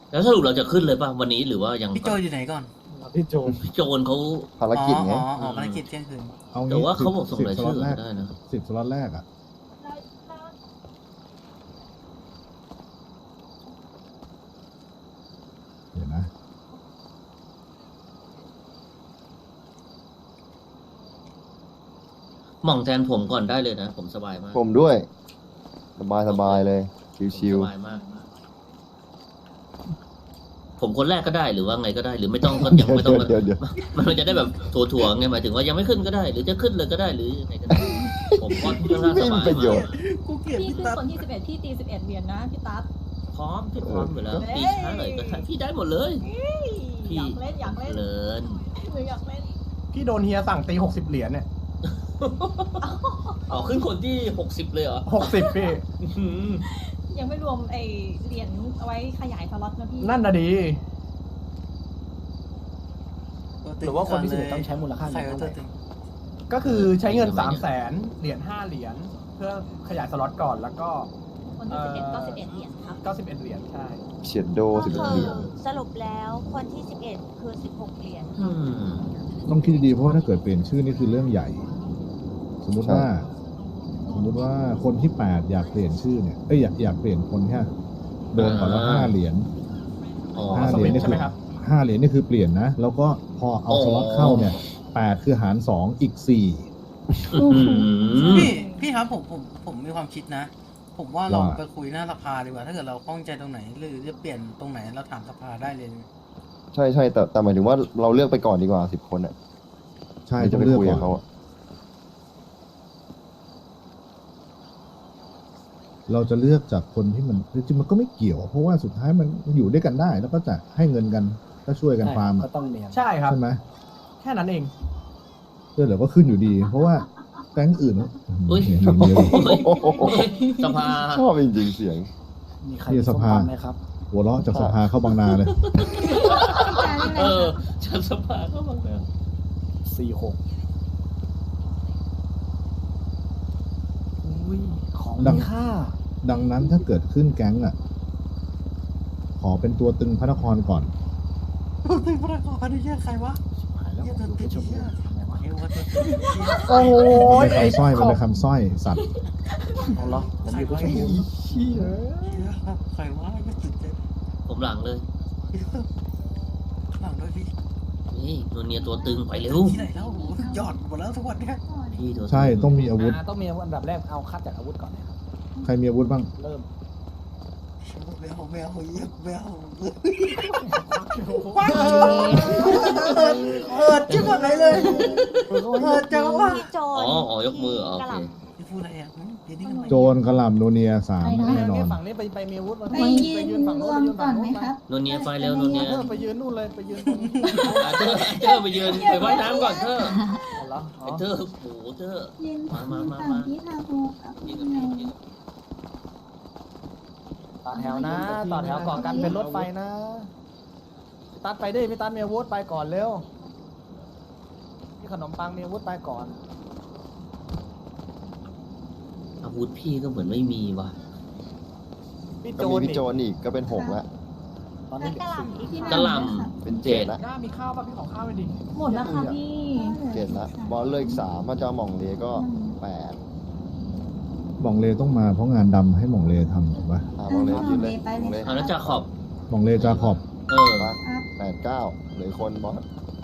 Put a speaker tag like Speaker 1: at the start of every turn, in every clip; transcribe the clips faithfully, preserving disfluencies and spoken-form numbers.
Speaker 1: แล้วสรุปเราจะขึ้นเลยป่ะวันนี้หรือว่ายัง
Speaker 2: พี่โจอยู่ไหนก่อน
Speaker 3: พี่โจ
Speaker 1: พี่โจนเขา
Speaker 4: ภารกิจไง
Speaker 2: อ๋ออ๋อภารกิจเที่ยงคืน
Speaker 5: เอา
Speaker 1: แต่
Speaker 5: งี้
Speaker 1: ว่าเขาบอกส่ง
Speaker 5: สิบ
Speaker 1: ราย
Speaker 5: สล็
Speaker 1: ชื่
Speaker 5: อ
Speaker 1: อ
Speaker 5: ตแรก
Speaker 1: ได้นะ
Speaker 5: สิบสล็อตแรกอ่ะเดี๋ยวนะ
Speaker 1: หม่องแทนผมก่อนได้เลยนะ ผมสบายมาก
Speaker 4: ผมด้วย สบายสบายเลย
Speaker 1: ผม
Speaker 4: ชิว
Speaker 1: สบายมาก ผมคนแรกก็ได้หรือว่าไงก็ได้ หรือไม่ต้องก็
Speaker 4: ๆ
Speaker 1: ยังไม่ต้อง
Speaker 4: เดี๋ยวเดี๋ยว
Speaker 1: มันจะได้แบบถั่วๆไงหมายถึงว่ายังไม่ขึ้นก็ได้ หรือจะขึ้นเลยก็ได้หรือยังไงก็ได้ผมก็ค่อนข้างส
Speaker 4: ไม่
Speaker 1: บา
Speaker 4: มี
Speaker 1: ย
Speaker 4: ประโย
Speaker 1: มา
Speaker 4: ช
Speaker 1: ก
Speaker 4: น์
Speaker 2: กูเกลียด
Speaker 6: พี่
Speaker 2: พี่
Speaker 6: ขึ้น
Speaker 2: ตั๊ด
Speaker 6: คนที่สิบเอ็ดพี่ตีสิบเอ็ดเหรียญนะพี่ตั๊ด
Speaker 1: พร้อมพี่พร้อมอยู่แล้วตีช้าหน่อยก็ได้พี่ได้หมดเลย พี่
Speaker 6: อยากเล่นอยากเล่น
Speaker 1: เลิน
Speaker 6: หรืออยากเล่น
Speaker 3: พี่โดนเฮียสั่งตีหกสิบเหรียญเนี่ย
Speaker 1: อ๋อขึ้นคนที่หกสิบเลยเหรอ
Speaker 3: หกสิบพี่
Speaker 1: อื้อหือ
Speaker 6: ยังไม่รวมไอเหรียญเอาไว้ขยายสล็อตนะพี่
Speaker 3: นั่นน่ะดี
Speaker 2: ตึ
Speaker 7: หรือว่าคนที่สิบเอ็ดต้องใช้มูลค่า
Speaker 2: ใคร
Speaker 7: เงิน
Speaker 2: ว่า
Speaker 7: เท่า
Speaker 2: ตัว
Speaker 7: ไหร่
Speaker 2: ตึง
Speaker 3: ก็คือใช้เงินสามแสนเหรียญห้าเหรียญเพื่อขยายสล็อตก่อนแล้วก็
Speaker 6: คนที่สิบเอ็ดก็สิบเอ็ดเหรียญครับ
Speaker 3: เก้าสิบเอ็ดเหรียญใช่
Speaker 4: เฉียดโด
Speaker 8: ก็
Speaker 4: สิบ
Speaker 8: คื
Speaker 4: เหรี
Speaker 8: อย
Speaker 4: ญ
Speaker 8: สรุปแล้วคนที่สิบเอ็ดคือสิบหกเหรียญ
Speaker 1: อืม
Speaker 5: ต้องคิดดีๆเพราะว่าถ้าเกิดเปลี่ยนชื่อนี่คือเรื่องใหญ่ สมมุติว่า สมมุติว่าคนที่แปดอยากเปลี่ยนชื่อเนี่ยเอ้ยอยากอยากเปลี่ยนคนแค่โดนก่อนแล้วห้าเหรียญ
Speaker 1: อ๋อ
Speaker 5: ห้าเหรียญนี่
Speaker 3: ใช่
Speaker 5: คื
Speaker 3: ไหม
Speaker 5: อ
Speaker 3: ครับ
Speaker 5: ห้าเหรียญนี่คือเปลี่ยนนะ แล้วก็พอเอา
Speaker 1: อ๋อ
Speaker 5: สล็อตเข้าเนี่ยแปดคือหารสองอีกสี่
Speaker 1: อื้อหือ
Speaker 2: พี่พี่ครับผมผมผมมีความคิดนะ ผมว่าเรา
Speaker 5: ว่า
Speaker 2: ไปคุยหน้าสภาดีกว่า ถ้าเกิดเราข้องใจตรงไหน หรือจะเปลี่ยนตรงไหนเราถามสภาได้เลย
Speaker 4: ใช่ใช่แต่แต่หมายถึงว่าเราเลือกไปก่อนดีกว่าสิบคนอ่ะ
Speaker 5: ใช่
Speaker 4: ไม่
Speaker 5: ต้
Speaker 4: จะ
Speaker 5: อง
Speaker 4: ไป
Speaker 5: เลือก
Speaker 4: คุย
Speaker 5: ก่
Speaker 4: กั
Speaker 5: อบ น
Speaker 4: เขาอะ
Speaker 5: เราจะเลือกจากคนที่มันจริงๆมันก็ไม่เกี่ยว เพราะว่าสุดท้ายมันอยู่ด้วยกันได้ แล้วก็จะให้เงินกันก็ช่วยกันฟาร์ม
Speaker 7: ก็
Speaker 5: อะ
Speaker 7: ต้องเนียน
Speaker 3: ใช่ครับ
Speaker 5: ใช่ไหม
Speaker 3: แค่นั้นเอง
Speaker 5: เพื่อเดี๋ยวก็ขึ้นอยู่ดี เพราะว่าแก๊งอื่นเนี่ย
Speaker 1: อุ้ย
Speaker 5: เห็นมันเยอะ
Speaker 1: สภา
Speaker 4: ชอบจริงๆเสียง
Speaker 7: มีใคร
Speaker 5: นี่
Speaker 7: มี
Speaker 5: ส
Speaker 7: ส้ม
Speaker 5: ภา
Speaker 7: ตำไหมครับ
Speaker 5: หัวเราะจากสภาเข้าบางนาเลย
Speaker 1: เออฉันสภาก็บังเอิญ
Speaker 7: สี่หกอุ้ย ของ
Speaker 5: ดัง
Speaker 7: มีค่า
Speaker 5: ดังนั้นถ้าเกิดขึ้นแก๊งอ่ะ ขอเป็นตัวตึงพระนครก่อน
Speaker 2: ตึงพระนครนี่แค่ใครวะ
Speaker 7: หายแล้ว
Speaker 2: เหี้ย
Speaker 7: ผม
Speaker 2: ตัว
Speaker 7: ดู
Speaker 2: ตึ
Speaker 7: ไป
Speaker 2: ง
Speaker 7: ชม
Speaker 2: เหี้ย
Speaker 7: ทำไมวะ
Speaker 2: เอ้ยว่าตัวตึงเหี้ย
Speaker 3: โอ้โห
Speaker 5: มันเป็นคำสร้อยมันเป็นคำสร้อยสัตว์
Speaker 7: เอาเหรอผมอยู่ไปชมพู
Speaker 3: เชี่ย
Speaker 2: ใครวะไม่ตื่นเต้น
Speaker 1: ผมหลังเลย
Speaker 2: หลังด้วยพี่
Speaker 1: นี่โนเนียตัวตึงไปเร็ว
Speaker 2: ที่ไหนแล้วโอ้โหยอดหมดแล้วทุกวันเนี่ย
Speaker 1: พี่ตัวตึง
Speaker 5: ใช่ต้องมีอาวุธ
Speaker 7: อ่าต้องมีอันดับแรกเอาคัดจากอาวุธก่อนนะครับ
Speaker 5: ใครมีอาวุธบ้าง
Speaker 7: เริ่ม
Speaker 2: แมวแมวเยี่ยมแมวเปิดจิ้มอะไรเลยเปิดจังวะ
Speaker 8: พี่โจ
Speaker 1: อ๋
Speaker 8: น
Speaker 1: ออ๋อยกมืออ๋อโอ
Speaker 8: กระห
Speaker 1: เค
Speaker 8: ล่
Speaker 2: พี่พูดอะไรอ่ะเดี๋ยวนี้กันใหม่
Speaker 5: โจรกระหล่ำโนเนียสาม
Speaker 6: ไปนะ
Speaker 5: แน่นอน
Speaker 7: ฝั่งนี้ไปไปมีอาวุธมา
Speaker 6: ไปยืน
Speaker 7: ไปยืนฝั่ง
Speaker 6: ร
Speaker 7: นู้
Speaker 6: วน ม
Speaker 7: ไปยืน
Speaker 6: ก่อ
Speaker 7: ฝั่
Speaker 6: น
Speaker 7: ง
Speaker 6: ไหม
Speaker 7: นู้น
Speaker 6: ครับ
Speaker 1: โนเนียไฟเร็วโนเนีย
Speaker 7: เธอไปยืนนู่นเลยไปยืนตรง
Speaker 1: อ่ะเธอเธอไปยืนไปว่ายน้ำก่อนเธอ
Speaker 7: เอาเหรออ๋
Speaker 1: ไอ้
Speaker 7: อ
Speaker 1: เธอโอ้โหเธอ
Speaker 6: ยืน
Speaker 1: มามามา
Speaker 6: ฝั่ง
Speaker 1: มา
Speaker 6: ที่ทาโฮกับ
Speaker 1: ยื
Speaker 6: พี่
Speaker 1: นกับ
Speaker 6: เน
Speaker 1: พี่
Speaker 6: ย
Speaker 1: ยืนกับ
Speaker 7: ต่อแถวนะต่อแถวก่อนกันเป็นรถไฟนะพี่ตัดไปดิพี่ตัดมีอาวุธไปก่อนเร็วพี่ขนมปังมีอาวุธไปก่อน
Speaker 1: อาวุธพี่ก็เหมือนไม่มีว่ะ
Speaker 7: พี่
Speaker 4: ก็
Speaker 7: โจ
Speaker 4: มี
Speaker 7: น
Speaker 4: พี่
Speaker 7: อีก
Speaker 4: โจนอีกก็เป็นหกแล้ว
Speaker 7: ตอนนี้
Speaker 8: กระหล่ำอีก
Speaker 6: พี่
Speaker 1: กระหล่
Speaker 4: เป็น
Speaker 1: ำ
Speaker 4: เจ็
Speaker 1: เจ็
Speaker 4: ด
Speaker 1: ด
Speaker 4: แล้ว
Speaker 3: หน้ามีข้าวป่ะพี่ขอข้าวไปดิ
Speaker 6: หมดแล้วค่ะพี่
Speaker 4: เจ็ดแล้วบอลเลือกสามมาจะเอาหม่องเลก็แปด
Speaker 5: หม่องเลต้องมาเพราะงานดำให้หม่องเลทำถูกปะ
Speaker 4: อ่าหม่องเลยืนเลยหม่องเล
Speaker 1: เอาแล้วจะขอบ
Speaker 5: หม่องเลจาขอบ
Speaker 1: เออ
Speaker 4: มาแปดเก้าเหลือคนบอส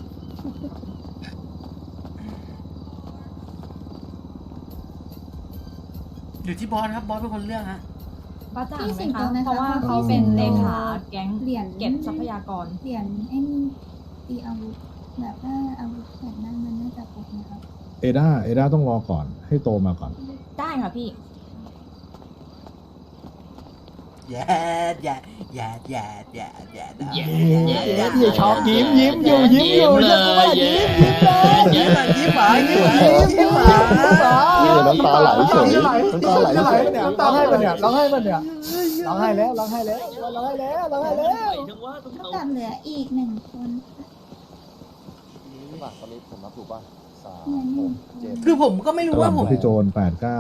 Speaker 2: อยู่ที่บอสครับบอสเป็นคนเลือกฮะ
Speaker 6: ป้าจ่าง
Speaker 9: พี่
Speaker 6: ไหม
Speaker 9: สิงโต
Speaker 6: คะ
Speaker 9: ไหมคะ
Speaker 6: เพราะว่าเขาเป็นเลขาแก๊ง
Speaker 9: เหรียญ
Speaker 6: เก็บทรัพยากร
Speaker 9: เหรียญไอ้นี่ตีอาวุธแบบว่าอาวุธแบบนั้นมันน่าจะครบนะครับ
Speaker 5: เอด้าเอด้าต้องรอก่อนให้โตมาก่อน
Speaker 6: ได้ค่ะพี่
Speaker 2: แย่แย่แย่แย่แย่แย่
Speaker 1: แย่
Speaker 7: เย้เย้ชอบยิ้มยิ้มอยู่ยิ้มอยู่
Speaker 1: เล
Speaker 7: จะว่า
Speaker 1: ย
Speaker 7: ยิ้
Speaker 1: แย่
Speaker 7: มยิ้มเลย
Speaker 2: ยิ้มหวานยิ้มหวานยิ้มหวาน
Speaker 4: นี่น้ำตาไหลเฉย
Speaker 3: น้ำตาไหล
Speaker 4: น้ำตาไหลเฉย
Speaker 3: น้ำตาให้มันเนี่ยร้องให้มันเนี่ยร้องให้แล้วร้องให้แล้วร้องให้แล้วร้องให้แล้ว
Speaker 1: จังว่าต้อง
Speaker 9: เท่า
Speaker 1: เอา
Speaker 9: กับเหลืออีกหนึ่งคน
Speaker 4: ใช่ป่ะตอนนี้ผมนับถูกป่ะสาม
Speaker 9: เหลือห
Speaker 4: ห
Speaker 9: นึ่ง
Speaker 4: ก
Speaker 9: คน
Speaker 4: เจ็ด
Speaker 2: คือผมก็ไม่รู้
Speaker 5: กระห
Speaker 2: ว่า
Speaker 5: ล่ำ
Speaker 2: ผ
Speaker 5: กั
Speaker 2: ม
Speaker 5: บพี่โจนแปดเก้า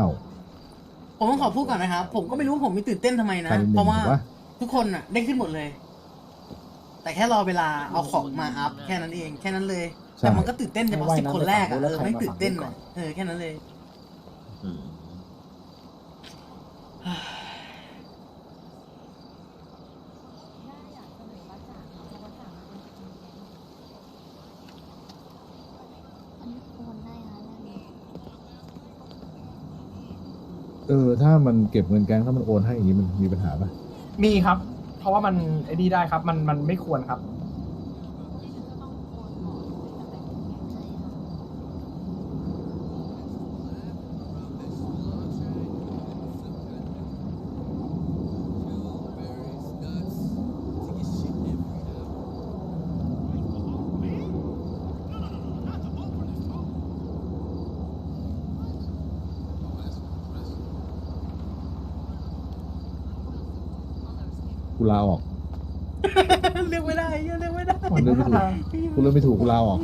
Speaker 2: ผมต้องขอพูดก่อนนะครับ ผมก็ไม่รู้ว่าผมมีตื่นเต้นทำไม
Speaker 5: ใคร
Speaker 2: นะ
Speaker 5: เป็นห
Speaker 2: เพ
Speaker 5: นึ่ง
Speaker 2: ราะว่า
Speaker 5: ถูกปะ
Speaker 2: ทุกคนอ่ะได้ขึ้นหมดเลยแต่แค่รอเวลาเอาของมาอัพแค่นั้นเองแค่นั้นเลย
Speaker 5: ใช่
Speaker 2: แต่มันก็ตื่นเต้นเฉพาะ
Speaker 7: ไม่
Speaker 2: สิบ
Speaker 7: ว่ายน้ำ
Speaker 2: คนแรกอะ
Speaker 7: ไป
Speaker 2: เอ
Speaker 7: ฝั่งนู้นแล้วใคร
Speaker 2: อไม่
Speaker 7: มา
Speaker 2: ตื่นเต้น
Speaker 7: ฝั่งนี้ก่อ
Speaker 2: อะ
Speaker 7: น
Speaker 2: เออแค่นั้นเลย
Speaker 1: อืม
Speaker 6: อยากเสนอว่าจ่าเพราะว่าจ่ามันเป็นคนแก๊ง
Speaker 9: อันนี้โอนได้นะเรื่องนี้
Speaker 5: เออ ถ้ามันเก็บเงินแก๊งถ้ามันโอนให้อย่างนี้มันมีปัญหาปะ
Speaker 3: มีครับ เพราะว่ามันไอ้นี่ได้ครับ มันมันไม่ควรครับ
Speaker 5: กูลาออก
Speaker 2: เลือกไม่ได้เลือกไม่ได้
Speaker 5: กูเลือกไม่ถูกกูเลือกไม่ถูกกูลาออก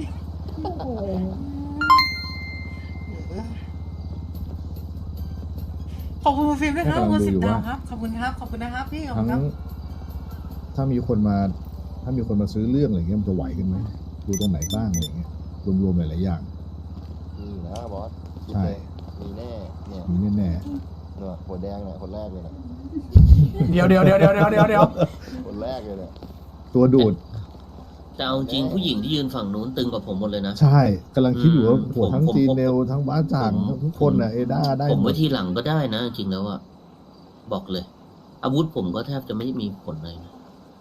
Speaker 2: ขอบคุณคุณฟิล์มด้วยครับ
Speaker 5: ให้กำลัง
Speaker 2: คุณ
Speaker 5: ดู
Speaker 2: สิบ
Speaker 5: อยู่
Speaker 2: ดาว
Speaker 5: ว่า
Speaker 2: ครับขอบคุณครับขอบคุณนะครับพี่ขอบคุ
Speaker 5: ทั้
Speaker 2: ณ
Speaker 5: ง
Speaker 2: ครับ
Speaker 5: ถ้ามีคนมา ถ้ามีคนมาซื้อเรื่องอะไรเงี้ยมันจะไหวกันไหมดูตรงไหนบ้างอะไรเงี้ยรวมๆหลายๆอย่าง
Speaker 4: มีนะบอสคิด
Speaker 5: ใช่
Speaker 4: เลยมีแน่เนี่ย
Speaker 5: มีแน่
Speaker 4: เนี่ยหัวแดงเนี่ยคนแรกเลยนะ
Speaker 3: เดี๋ยวเดี๋ยวเดี๋ยวเดี๋ยวเดี๋ยวเดี๋ยวเดี๋ยว
Speaker 4: คนแรกเลยเนี่ย
Speaker 5: ๆตัวดูด
Speaker 1: แต่เอาจริงผู้หญิงที่ยืนฝั่งนู้นตึงกว่าผมหมดเลยนะ
Speaker 5: ใช่กำลังคิดอยู่ว่า
Speaker 1: อืม
Speaker 5: โหทั้ง
Speaker 1: ผม
Speaker 5: จีน
Speaker 1: ผม
Speaker 5: เนลทั้งบ้าจ่าง
Speaker 1: ผม
Speaker 5: ทุกคนน่ะเอด้าได้
Speaker 1: ผม
Speaker 5: หม
Speaker 1: ไว้
Speaker 5: ด
Speaker 1: ทีหลังก็ได้นะ จริงแล้วอะบอกเลย อาวุธผมก็แทบจะไม่มีผลเลยนะ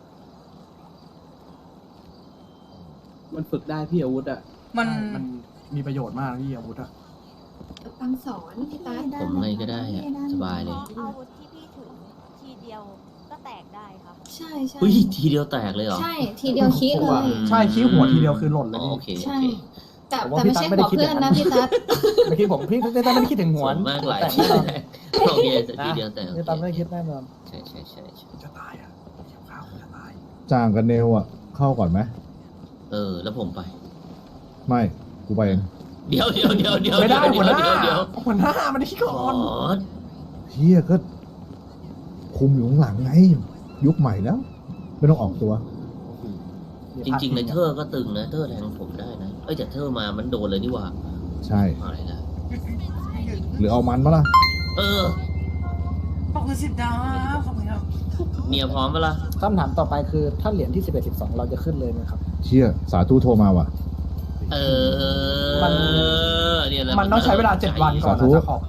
Speaker 10: มันฝึกได้พี่อาวุธอะ
Speaker 2: มัน
Speaker 3: มันมีประโยชน์มากนะพี่อาวุธอะ
Speaker 9: ฟังสอนพี่ตา
Speaker 1: ผมไงก็ได้อะสบายเลย
Speaker 8: เพราะอาวุธที่พี่ถือทีเดียวก็แตกได้ครับ
Speaker 9: ใช่ใช่
Speaker 1: เฮ้ยทีเดียวแตกเลยเหรอ
Speaker 9: ใช่ทีเดียวคิดเลย
Speaker 3: ใช่คิ้วหัวทีเดียวคือหล่นเล
Speaker 1: อ๋
Speaker 3: ย
Speaker 1: อ
Speaker 3: พี่
Speaker 1: โอเคโอ
Speaker 9: ใช่
Speaker 1: เค
Speaker 9: แต่
Speaker 7: ผมว่า
Speaker 9: แต่ไม่ใช่
Speaker 7: พี่ตั๊กไม่ได้
Speaker 9: หัว
Speaker 7: คิด
Speaker 9: เพื่อน
Speaker 7: อย่างนั้
Speaker 9: นะ
Speaker 7: น
Speaker 9: พี่ตั๊ด
Speaker 7: เมื่อกี้ผมพี่พี่ตั้มไม่ได้คิดถึงหัว
Speaker 1: ส่วนมากหลาย
Speaker 7: แต่
Speaker 1: ที
Speaker 7: แน่นอน
Speaker 1: โอเคแต่ทีเดียวแตกโอ
Speaker 7: พี่
Speaker 1: เค
Speaker 7: ตั้มไม่ได้คิดแน่นอน
Speaker 1: ใช่ใช่ใช่ใช่
Speaker 3: จะตายอ่ะเกี่ยวข้าวจะตาย
Speaker 5: จ่างกับเนลอ่ะ เข้าก่อนไหม
Speaker 1: เออ แล้วผมไป
Speaker 5: ไม่กูไปเอง
Speaker 1: เดี๋ยวเดี๋ยวเดี๋ยวเดี๋ยว
Speaker 3: ไม่ได้
Speaker 1: เดี๋
Speaker 3: หั
Speaker 1: ยว
Speaker 3: วหน้า
Speaker 1: เดี๋ยวเดี๋ยว
Speaker 3: หัวหน้ามันที่ก่
Speaker 1: อ๋
Speaker 3: อ
Speaker 1: อน
Speaker 5: เฮียก็ คุมอยู่ข้างหลังไง ยุคใหม่แล้ว ไม่ต้องออกตัว
Speaker 1: จริงๆในเธอก็ตึงนะเธอแทงผมได้นะเอ้ยแต่เธอมามันโดนเลยนี่หว่า
Speaker 5: ใช่
Speaker 1: อะไรนะ
Speaker 5: หรือเอามันมาล่ะ
Speaker 1: เออ
Speaker 2: ขอบคุณสิบดาวครับขอบคุณครับ
Speaker 1: เมียพร้อมปะล่ะ
Speaker 7: คำถามต่อไปคือถ้าเหรียญที่สิบเอ็ดสิบสองเราจะขึ้นเลยไหมครับ
Speaker 5: เชี่ยสาธุโทรมาว่ะ
Speaker 1: เออ
Speaker 3: มัน
Speaker 1: เนี่ยแหละ
Speaker 3: มันต้องใช้เวลาเจ็ดวันก่อน
Speaker 5: สาธุ
Speaker 3: นะจะขอบ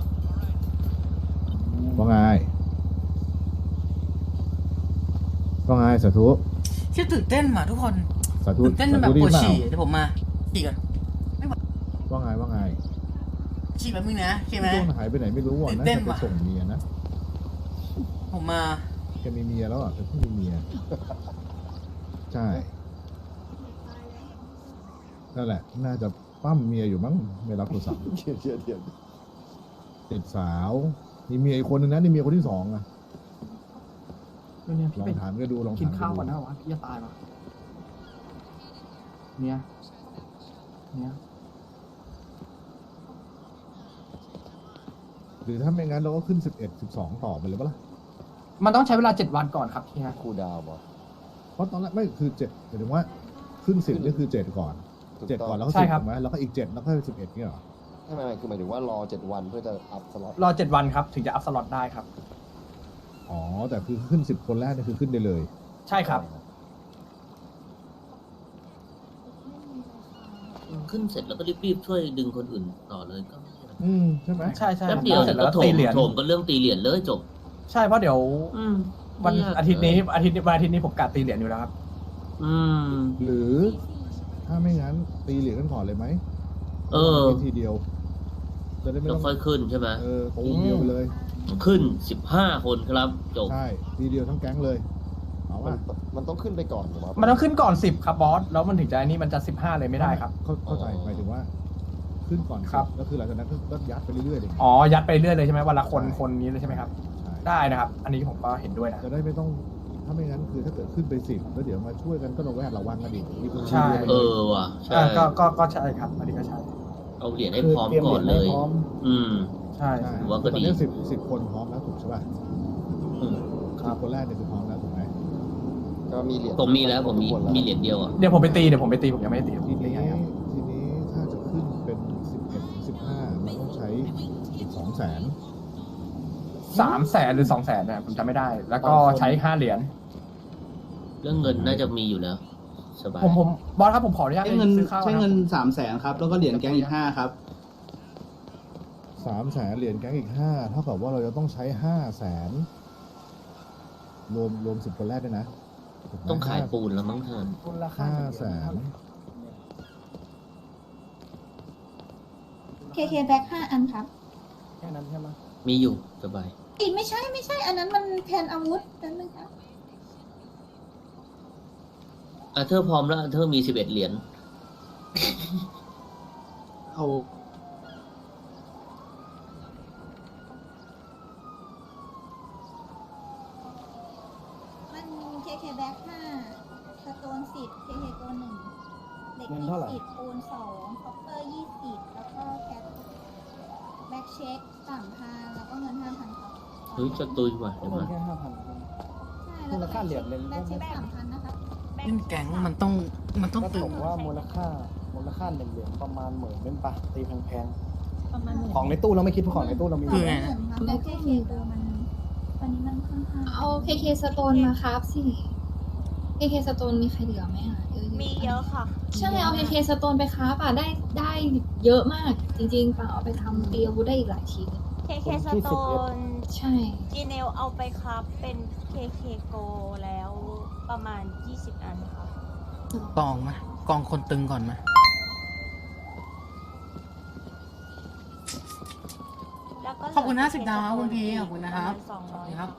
Speaker 5: ว่าไงว่าไงสาธุ
Speaker 2: ชื่อตื่นเต้นมาทุกคน
Speaker 5: สาธุ
Speaker 2: ตื่นเต้นจนแบบ
Speaker 5: ดี
Speaker 2: ปวด
Speaker 5: เปล่า
Speaker 2: ฉี่เดี๋ยวผมมาฉี่ก่อน
Speaker 5: ว่าไงว่าไง
Speaker 2: ฉี่แบบนึงนะโอเคไหม
Speaker 5: พี่โดนหายไปไหนไม่รู้อ่ะ
Speaker 2: ตื่น
Speaker 5: น่า
Speaker 2: เต้น
Speaker 5: จะไป
Speaker 2: ว่ะ
Speaker 5: ส่งเมียนะ
Speaker 2: ผมมา
Speaker 5: แกมีเมียแล้วอ่ะแกเพิ่งมีเมีย ใช่ นั่นแหละ น่าจะปั้มเมียอยู่มั้ง ไม่รับโทรศัพท์
Speaker 4: เทียบเทียบเทียบ
Speaker 5: ติดสาว มีเมียอีกคนนึงนะนี่เมียคนที่สองอ่ะ
Speaker 3: เนี่ย
Speaker 5: ล
Speaker 3: พี่
Speaker 5: อง
Speaker 3: ไป
Speaker 5: ถามก็ดูลอง
Speaker 3: กิน
Speaker 5: ถาม
Speaker 3: ข้าว
Speaker 5: ดู
Speaker 3: ก่อนนะวะพี่จะตายปะเนี่ยเนี่ย
Speaker 5: หรือถ้าไม่งั้นเราก็ขึ้นสิบเอ็ดสิบสองต่อไปเลยปะล่ะ
Speaker 3: มันต้องใช้เวลาเจ็ดวันก่อนครับเฮีย
Speaker 4: ครูดาวบอส
Speaker 5: เพราะตอนแรกไม่คือเจ็ดหมายถึงว่าขึ้นสิบนี่คือเจ็ดก่อน
Speaker 4: ถูก
Speaker 5: เจ็ด
Speaker 4: ต้
Speaker 5: ก่
Speaker 4: อ
Speaker 5: อน
Speaker 4: ง
Speaker 5: แล้วก็
Speaker 3: ใช่
Speaker 5: สิบ
Speaker 3: ครับ
Speaker 5: ถูกไหมแล้วก็อีกเจ็ดแล้วก็สิบเอ็ดเนี่ยเหรอ
Speaker 4: ไม่ไม่ไม่คือหมายถึงว่ารอเจ็ดวันเพื่อจะอัพสล็อต
Speaker 3: รอเจ็ดวันครับ ถึงจะอัพสล็อตได้ครับ
Speaker 5: อ๋อ แต่คือขึ้นสิบคนแรกนี่คือขึ้นได้เลย
Speaker 3: ใช่ครับ
Speaker 1: ขึ้นเสร็จแล้วก็รีบๆช่วยดึงคนอื่นต่อเลยก็ไม่เป็นไร
Speaker 5: อืมใช่ไหม
Speaker 3: ใช่ใช่
Speaker 1: แป๊บเดียว
Speaker 3: เสร็
Speaker 1: เดี๋
Speaker 3: จ
Speaker 1: ยว
Speaker 3: แล้ว
Speaker 1: ก็โถ
Speaker 3: ตี
Speaker 1: ม
Speaker 3: เหรียญ
Speaker 1: โถมก็เรื่องตีเหรียญเลยจบ
Speaker 3: ใช่เพราะเดี๋ยว
Speaker 1: อืม
Speaker 3: วัน
Speaker 1: ไม่ก
Speaker 3: อาทิตย์นี้อาทิตย์วันอาทิตย์นี้ผมกะตีเหรียญอยู่แล้วครับ
Speaker 1: อืม
Speaker 5: หรือถ้าไม่งั้นตีเหรียญกันก่อนเลยไหม
Speaker 1: เออ
Speaker 5: ทีเดียว จะได้ไม่
Speaker 1: แล้ว
Speaker 5: ต้อง
Speaker 1: ค่อยขึ้นใช่ไหม
Speaker 5: เออตูมเดียวไปเลย
Speaker 1: ขึ้นสิบห้าคนครับจบ
Speaker 5: ใช่ ทีเดียวทั้งแก๊งเลย เอา
Speaker 4: มัน
Speaker 5: ว่า
Speaker 4: มันต้องขึ้นไปก่อนถูกไหม
Speaker 3: มันต้องขึ้นก่อนสิบครับบอส แล้วมันถึงจะอันนี้มันจะสิบห้าเลยไม่ได้ครับ
Speaker 5: เข้าเข้าใจหมายถึงว่า ขึ้นก่อน
Speaker 3: ครับ
Speaker 5: แล้วคือหลังจากนั้นก็ก็ยัดไปเรื่อยๆเลย
Speaker 3: อ๋อ ยัดไปเรื่อยเลยใช่ไหมวันละคนคนนี้เลยใช่ไหมครับ
Speaker 5: ใช่
Speaker 3: ได้นะครับ อันนี้ผมก็เห็นด้วยนะ
Speaker 5: จะได้ไม่ต้อง ถ้าไม่งั้นคือถ้าเกิดขึ้นไปสิบแล้วเดี๋ยวมาช่วยกันก็ระแวดระวังกันอีกมีคน
Speaker 3: ใช่
Speaker 5: ช่วย
Speaker 1: เอ
Speaker 5: ด้วย
Speaker 1: อว่ะใช่
Speaker 3: อ่าก็ก็ก็ใช่ครับ อันนี้ก็ใช่
Speaker 1: เอาเหรียญให้
Speaker 7: คือ
Speaker 1: พร้อม
Speaker 7: เตรียม
Speaker 1: ก่อนเลย
Speaker 7: เหรียญให้พร้อม
Speaker 1: อืม
Speaker 3: ใช่
Speaker 5: ใช่
Speaker 1: ผมว่าก็ดี
Speaker 5: ตอนนี้สิบสิบคนพร้อมแล้วถูกใช่ป่ะ
Speaker 1: อืม
Speaker 5: ครับคนแรกเนี่ยคือพร้อมแล้วถูกไหม
Speaker 4: ก็มีเหรียญ
Speaker 1: ผมมีแล้วผมมีมีเหรียญเดียวอ่ะ
Speaker 3: เดี๋ยวผมไปตีเดี๋ยวผมไปตีผมยังไม่ได้ตี
Speaker 5: ทีนี้
Speaker 3: ตีให้ครับ
Speaker 5: ทีนี้ถ้าจะขึ้นเป็นสิบเอ็ดถึงสิบห้ามันต้องใช้อีกสองแสน
Speaker 3: สามแสนหรือสองแสนนะผมจำไม่ได้ แล้วก็ใช้ห้าเหรียญ
Speaker 1: เรื่องเงินน่าจะมีอยู่แล้วสบาย
Speaker 3: ผมผมบอสครับผมขออนุญาต
Speaker 10: ใช้เงิน
Speaker 3: ซื้อข้าว
Speaker 10: ใช้เงิน
Speaker 3: ครับ
Speaker 10: สามแสนครับ แล้วก็เหรียญแก๊งอีกห้าครับ
Speaker 5: สามแสนเหรียญแก๊งอีกห้าเท่ากับว่าเราจะต้องใช้ห้าแสนรวมรวมสิบคนแรกด้วยนะถูกไหม
Speaker 1: ต้องขายปูนแล้วมั้งท่าน
Speaker 7: มูลค่า
Speaker 5: ห้าแสน
Speaker 9: เคเคแบ็คห้าอันครับ
Speaker 7: แค่นั้นใช่ไหม
Speaker 1: มีอยู่สบาย
Speaker 9: อีกไม่ใช่ไม่ใช่ อันนั้นมันแทนอาวุธนั่นนึงครับ
Speaker 1: อ่ะเธอพร้อมแล้วเธอมีสิบเอ็ดเหรียญ
Speaker 10: เอา
Speaker 9: มันเคเคแบ็คห้าสโตนสิบเคเคโกหนึ่งเด็ก
Speaker 7: เงิน
Speaker 9: ยี่
Speaker 7: เท่าไหร่
Speaker 9: สิบปูนสองคอปเปอร์ยี่สิบแล้วก็แคทแบ็คเช็คสามพันแล้วก็เงินห้าพันครับ
Speaker 1: เฮ้ยจะตุยว่ะ
Speaker 7: ก็
Speaker 1: เดี๋ยว
Speaker 7: เงิน
Speaker 1: มา
Speaker 7: แค่ห้าพัน
Speaker 9: ใช่
Speaker 7: มูลค่าเหรียญเลย
Speaker 9: แบ็คเช็คสามพันนะครับ
Speaker 2: เล่นแก๊งมันต้องมันต้อง
Speaker 7: ก็
Speaker 2: ตึ
Speaker 7: ต
Speaker 2: ง
Speaker 7: กว่ามูลค่ามูลค่าหนึ่งเหรียญประมาณหมื่นเป็นปะตีแพง
Speaker 6: ประมาณหมื่น
Speaker 7: ๆของในตู้เราไม่คิดเพราะของในตู้เรามี
Speaker 2: คือไง
Speaker 9: แล้วเคเคโกมันวันนี้มันค่อนข้าง
Speaker 11: เอาเคเคสโตนมาครับสิเคเคสโตนมีใครเหลือไหมอ่ะเยอะๆ
Speaker 8: มีเยอะค่ะ
Speaker 11: ใช่เอาเคเคสโตนไปครับอ่ะได้ได้เยอะมาก จริงๆเปล่าเอาไปทำตีอาวุธได้อีกหลายทีเลย
Speaker 8: เคเคสโตน
Speaker 11: ใช่
Speaker 8: จีเนลเอาไปครับเป็น เค เค โกแล้วประมาณ ยี่สิบ อันค่ะ
Speaker 2: กองมากองคนตึงก่อนมา
Speaker 8: แล้วก็
Speaker 2: ขอบคุณห้าสิบดาวคุณพีขอบคุณนะครับ
Speaker 8: สองร้อย
Speaker 2: ครับ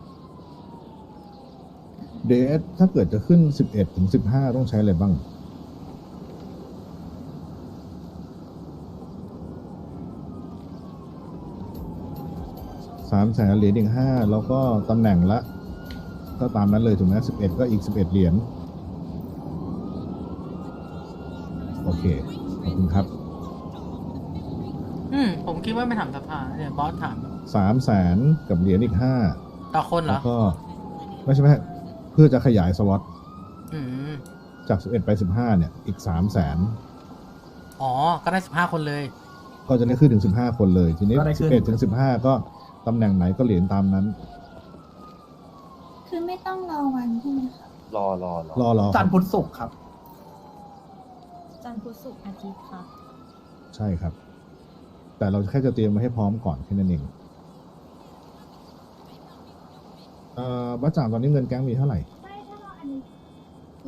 Speaker 5: เดทถ้าเกิดจะขึ้นสิบเอ็ดถึงสิบห้าต้องใช้อะไรบ้าง สามแสนเหรียญอีกห้าแล้วก็ตำแหน่งละ ก็ตามนั้นเลยถูกไหมสิบเอ็ดก็อีกสิบเอ็ดเหรียญโอเค ขอบคุณครับ
Speaker 2: อืมผมคิดว่าไม่ถามสภาเดี๋ยวบอสถาม
Speaker 5: สามแสนกับเหรียญอีกห้า
Speaker 2: ต่อคนเหร
Speaker 5: แล้
Speaker 2: อ
Speaker 5: วก็ ไม่ใช่ไหมเพื่อจะขยายสล็อต
Speaker 2: อืม
Speaker 5: จากสิบเอ็ดไปสิบห้าเนี่ย อีกสามแสน
Speaker 2: อ๋อ ก็ได้สิบห้าคนเลย
Speaker 5: ก็จะได้ขึ้นถึงสิบห้าคนเลย ทีนี้
Speaker 3: ก็ได้ขึ้
Speaker 5: สิบ
Speaker 3: น
Speaker 5: เอ็ดถึงสิบห้าก็ตำแหน่งไหนก็เหรียญตามนั้น
Speaker 9: คือไม่ต้องรอวันใช่ไหมคะ
Speaker 4: รอรอรอ
Speaker 5: รอรอค
Speaker 3: จั
Speaker 5: รั
Speaker 3: นท
Speaker 5: บ
Speaker 3: ร์พุธศุกร์ครับ
Speaker 6: จันทร์พุธศุกร์อาทิตย์ค่ะ
Speaker 5: ใช่ครับ แต่เราแค่จะเตรียมไว้ให้พร้อมก่อนแค่นั้นเองเอ่อบ้าจ่างตอนนี้เงินแก๊งมีเท่าไหร่
Speaker 11: มี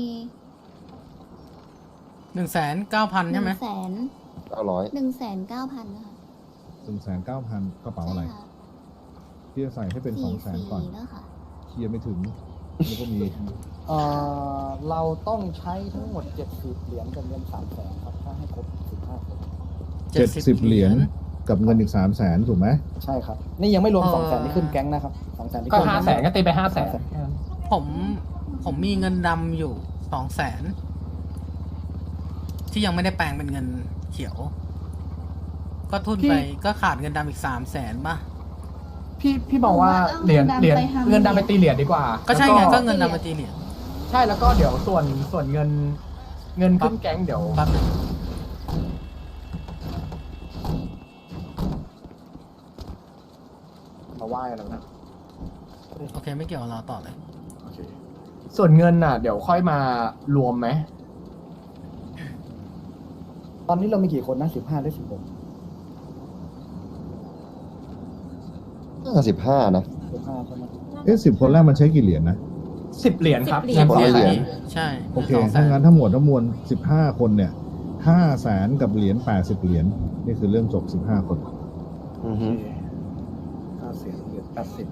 Speaker 2: หนึ่งแสนเก้าพันใช่ไหม
Speaker 11: แสน
Speaker 4: เก้าร้อย
Speaker 11: หนึ่งแสนเก้าพันนะคะ
Speaker 5: หนึ่งแสนเก้าพันกระเป๋าอะไร
Speaker 11: ใช่ค่ะ
Speaker 5: ที่จะใส่ให้เป็นสองแสนก่อน
Speaker 11: แล้วค่ะ
Speaker 5: เคลียร์ไม่ถึงนี่ก็มี
Speaker 7: เอ่อเราต้องใช้ทั้งหมดเจ็ดสิบเหรียญกับเงินสามแสนครับถ้าให้ครบสิบห้าคน
Speaker 5: เจ็ดสิบเหรียญกับเงินอีกสามแสนถูกไหม
Speaker 7: ใช่ครับ นี่ยังไม่รวมสองแสนที่ขึ้นแก๊งนะครับสองแสนที่
Speaker 3: ก็
Speaker 7: ขึ้น
Speaker 3: ห้าแสนก็ตีไปห้าแสน
Speaker 2: ผมผมมีเงินดำอยู่สองแสนที่ยังไม่ได้แปลงเป็นเงินเขียว ก็ทุนไปก็ขาดเงินดำอีกสามแสนป่ะ
Speaker 3: พี่พี่บอกว่าเหรียญเหรียญเงินดำไปตีเหรียญดีกว่า
Speaker 2: ก็ใช่ไง
Speaker 3: แล้ว
Speaker 2: ก็เงินดำมาตีเหรียญ
Speaker 3: ใช่แล้วก็เดี๋ยวส่วนส่วนเงินเงินขึ้นแก๊งเดี๋ยว
Speaker 2: แป๊บนึง
Speaker 3: มาไหว้แล้วนะ
Speaker 2: โอเคไม่เกี่ยวกับเราต่อเลย
Speaker 3: โอเคส่วนเงินน่ะ เดี๋ยวค่อยมารวมไหม
Speaker 7: ตอนนี้เรามีกี่คนนะสิบห้าได้สิบหก
Speaker 4: ห้าสิบห้านะ
Speaker 7: สิบห้าใช่ไหม
Speaker 5: เอ๊ะสิบคนแรกมันใช้กี่เหรียญนะ
Speaker 3: สิบเหรียญครับ
Speaker 6: สิบเหรียญ
Speaker 4: คนละเหรียญ
Speaker 2: ใช่
Speaker 5: โอเค
Speaker 2: สงแส
Speaker 5: ถ้างั้นทั้งหมดทั้งมวลสิบห้าคนเนี่ยห้าแสนกับเหรียญแปดสิบเหรียญนี่คือเรื่องจบสิบห้าคน
Speaker 4: อือฮึ
Speaker 3: ห้าแสนเหรียญแปดสิบ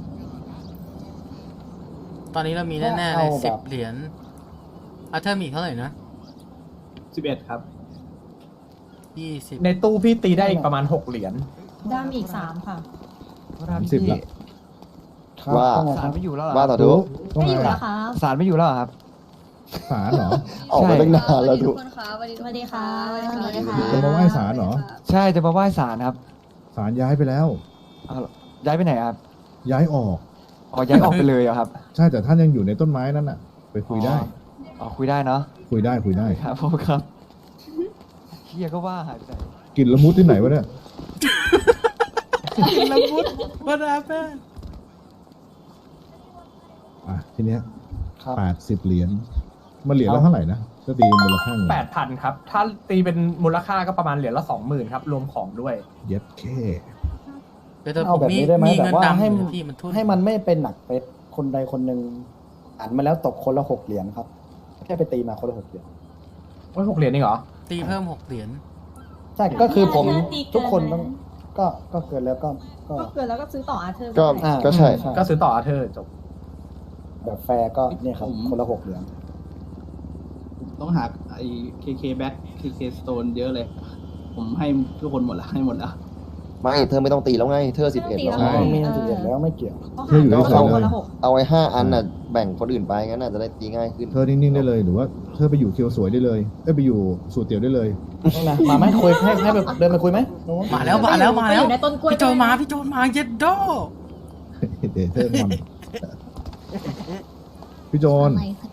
Speaker 2: ตอนนี้เรามีแน่ๆเลยสิบเหรียญอาเธอร์มีอีกเท่าไหร่นะ
Speaker 3: สิบเอ็ดครับ
Speaker 2: ยี่สิบ
Speaker 3: ในตู้พี่ตีได้อีกประมาณหกเหรียญ
Speaker 6: ดำอีกสามค่ะ
Speaker 5: สามสิบละ
Speaker 4: ว่า
Speaker 7: สารไม่อยู่แล้วเหรอ
Speaker 4: ว่าต่อทุก
Speaker 5: ต้อง
Speaker 6: ไม่
Speaker 5: ไง
Speaker 6: อยู่แล้วครับ
Speaker 7: สารไม่อยู่แล้วเหรอครับ
Speaker 5: ศาลเหรอ
Speaker 4: ออกไปตั้งนานแล้วทุก
Speaker 6: สวัสดีค่ะสวัสดีค่ะ
Speaker 5: จะมาไหว้ศาลเหรอ
Speaker 7: ใช่จะมาไหว้ศาลครับ
Speaker 5: ศาลย้ายไปแล้ว
Speaker 7: ย้ายไปไหนครับ
Speaker 5: ย้ายออก
Speaker 7: อ๋อย้ายออกไปเลยเหรอครับ
Speaker 5: ใช่แต่ท่านยังอยู่ในต้นไม้นั่นน่ะคุยได้
Speaker 7: อ๋อคุยได้เนาะ
Speaker 5: คุยได้คุยได้
Speaker 7: ครับผมครับเฮียก็ว่าหายไปไหน
Speaker 5: กินละมุดที่ไหนวะเนี่ย
Speaker 2: ละมุดบาดาแป้ง
Speaker 5: อ่ะทีเนี้ย
Speaker 7: ครับ
Speaker 5: แปดสิบเหรียญมันเหรียญละเท่าไหร่นะถ้าตีมูลค่าเงิน
Speaker 3: แปดพันครับ ถ้าตีเป็นมูลค่าก็ประมาณเหรียญละสองหมื่นครับ รวมของด้วย
Speaker 5: เย็ดแค่
Speaker 2: เดี๋ยวแต่ผ
Speaker 7: เอา
Speaker 2: ม
Speaker 7: แบบ
Speaker 2: มี
Speaker 7: นี้ได้ไหม
Speaker 2: มี
Speaker 7: แบ
Speaker 2: เงิ
Speaker 7: บ
Speaker 2: น
Speaker 7: ว่า
Speaker 2: ดำ
Speaker 7: ให้
Speaker 2: อยู่พี่มันทุน
Speaker 7: ให้มันไม่เป็นหนักไปคนใดคนหนึ่งอ่านมาแล้วตกคนละหกเหรียญครับ แค่ไปตีมาคนละหกเหรียญ
Speaker 3: โอ้ยหกเหรียญนี่เหรอ
Speaker 2: ตีเพิ่มหกเหรียญ
Speaker 7: ใช่ก็คือผม
Speaker 6: ตีเกิน
Speaker 7: ทุกคนต้องก็ก็เกินแล้วก็ก็
Speaker 6: ก็เกินแล้วก็ซื้อต่ออาเธอร์
Speaker 4: ก็
Speaker 6: ได้
Speaker 7: อ่า
Speaker 4: ก็ใช่
Speaker 3: ก็ซื้อต่ออาเธอร์จบ
Speaker 7: แบบแฟร์ก็เนี่ยครับคนละหกเหรียญ
Speaker 10: ต้องหาไอ้ เค เค Back เค เค Stone เยอะเลย ผมให้ทุกคนหมดละให้หมดละ
Speaker 4: ไม่เธอไม่ต้องตีแล้วไง เธอสิบเอ็ดแล้ว
Speaker 5: ใช่
Speaker 7: มีสิบเอ็ดแล้วไม่เกี่ยว
Speaker 5: เธออยู่
Speaker 6: ก็
Speaker 5: เฉ
Speaker 6: หาย
Speaker 5: ๆ
Speaker 6: ไป
Speaker 5: เลย
Speaker 6: คนละหก
Speaker 4: เอาไว้ห้าอันน่ะแบ่งคนอื่นไปงั้นน่ะจะได้ตีง่ายขึ้น
Speaker 5: เธอนิ่งๆได้เลยหรือว่าเธอไปอยู่เคียวสวยได้เลยเอ้ยไปอยู่สูตรเตี๋ยวได้เลย
Speaker 7: ต้องนะมาไหมคุยให้ให้ไปเดินไปคุยไหมโน้ต
Speaker 2: มาแล้วมาแล้วมาแล้ว
Speaker 6: ไปอยู่ในต้นกล้วย
Speaker 2: พี่โจมาพี่โจมาเย็ดโด
Speaker 5: เดยวเธอมันพี่โจน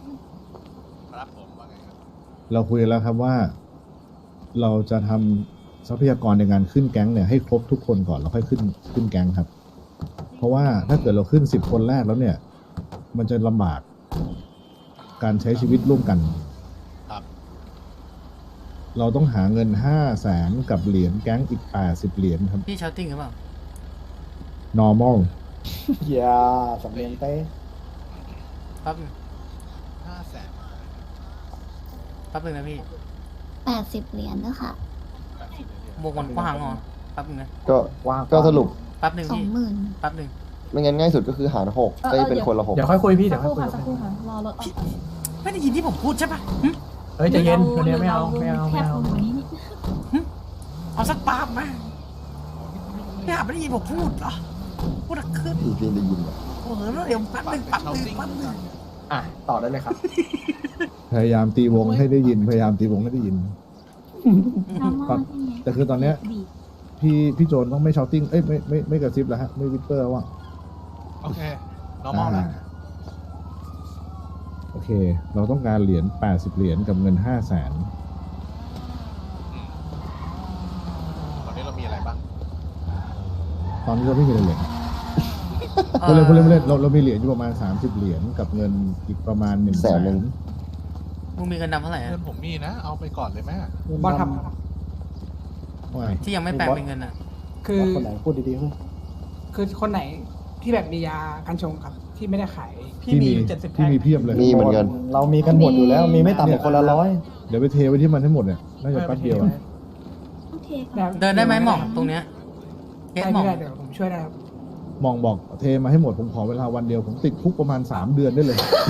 Speaker 5: เราคุยกันแล้วครับว่า เราจะทำทรัพยากรในการขึ้นแก๊งเนี่ยให้ครบทุกคนก่อนแล้วค่อยขึ้นขึ้นแก๊งครับ เพราะว่าถ้าเกิดเราขึ้นสิบคนแรกแล้วเนี่ย มันจะลำบากการใช้ชีวิตร่วมกัน เราต้องหาเงินห้าแสนกับเหรียญแก๊งอีกแปดสิบเหรียญครับ
Speaker 2: พี่ชาวติ้งหรือเปล่า
Speaker 5: normal
Speaker 7: อย่าสำเนียงเต้
Speaker 2: แป๊บนึงแป๊บนึงนะพี่
Speaker 9: แปดสิบเหรียญนะคะ
Speaker 2: วงมันกว้างเหรอแป๊บนึงนะ
Speaker 4: ก็
Speaker 7: ว่าง
Speaker 4: ก็สรุป
Speaker 2: แป๊บนึง
Speaker 9: สอง
Speaker 2: พี่
Speaker 9: หมื่น
Speaker 2: แป๊บนึง
Speaker 4: ไม่งั้นง่ายสุดก็คือหารหกได้เป็นคนละหก
Speaker 3: เดี๋ยวค่อยคุยพี่ เดี๋
Speaker 6: สั
Speaker 3: ย
Speaker 6: ก
Speaker 3: ว
Speaker 6: ค
Speaker 3: ค่อย
Speaker 6: รู่
Speaker 3: คุย
Speaker 6: ค่ะสักครู่ค่ะรอรถออกก่อน
Speaker 2: ไม่ได้ยินที่ผมพูดใช่ปะหึ
Speaker 3: เฮ้ยใจเย็นเดี๋ยวนี้ไม่เอาไม่เอา
Speaker 6: แค
Speaker 3: ไม่
Speaker 6: บ
Speaker 3: เอา
Speaker 6: ลงกว่านี้นิด
Speaker 2: เอาสักปาบมาพี่อาไม่ได้ยินผมพูดเหรอพูดอะขึ้น
Speaker 4: พี่พี่ได้ยินเหรอ
Speaker 2: โอ้โหเดี๋ยวแป๊บนึงแป๊บนึงแป๊บนึง
Speaker 3: อ่ะต่อได้เลยครับ
Speaker 5: พยายามตีวงให้ได้ยิน พยายามตีวงให้ได้ยิน
Speaker 9: น้องมอใช่ไหม
Speaker 5: แต่คือตอนเนี้ย
Speaker 6: บีบ
Speaker 5: พี่พี่โจนต้องไม่ชาวติ้งเอ้ยไม่ไม่ไม่กระซิบแล้วฮะไม่วิปเปอร์ว่า
Speaker 12: โอเค normal นะ
Speaker 5: โอเค เราต้องการเหรียญแปดสิบเหรียญกับเงินห้าแสน
Speaker 12: ตอนนี้เรามีอะไรบ้าง
Speaker 5: ตอนนี้เราไม่มีอะไรเลยพูดเล่นพูดเล่นพูดเล่นเราเรามีเหรียญอยู่ประมาณสามสิบเหรียญกับเงินอีกประมาณหนึ่งแสน
Speaker 2: มึงมีเงินดำเท่าไหร่อะ
Speaker 12: เพื่อนผมมีนะ เอาไปก่อนเลยแม่
Speaker 3: บอสท
Speaker 5: ว่าไง
Speaker 2: ที่ยังไม่แปลงเป็นเงินอะ
Speaker 3: คือ
Speaker 7: คนไหนพูดดีๆขึ้น
Speaker 3: คือคนไหนที่แบบมียากันชงครับ ที่ไม่ได้ขาย พี่
Speaker 5: ที่
Speaker 3: มี
Speaker 5: มี
Speaker 3: อยู่เจ็ดสิบ
Speaker 5: ที่
Speaker 3: แท่ง
Speaker 5: มีเพียบเลย
Speaker 4: มีเหมือนกัน
Speaker 7: เรามีกันหมดอยู่แล้ว มีไม่ต่ำกว่าคนละร้อย
Speaker 5: เดี๋ยวไปเทไว้ที่มันให้หมดเนี่ยน่าจะแป๊บเดียวอะ
Speaker 9: โอเคค่ะ
Speaker 2: เดินได้ไหมหม่องตรงเนี้ยเคสหม่อง
Speaker 3: ได้เดี๋ยวผมช่วยได้ครับ
Speaker 5: มองบอกเทมาให้หมดผมขอเวลาวันเดียว ผมติดคุกประมาณสามเดือนได้เลย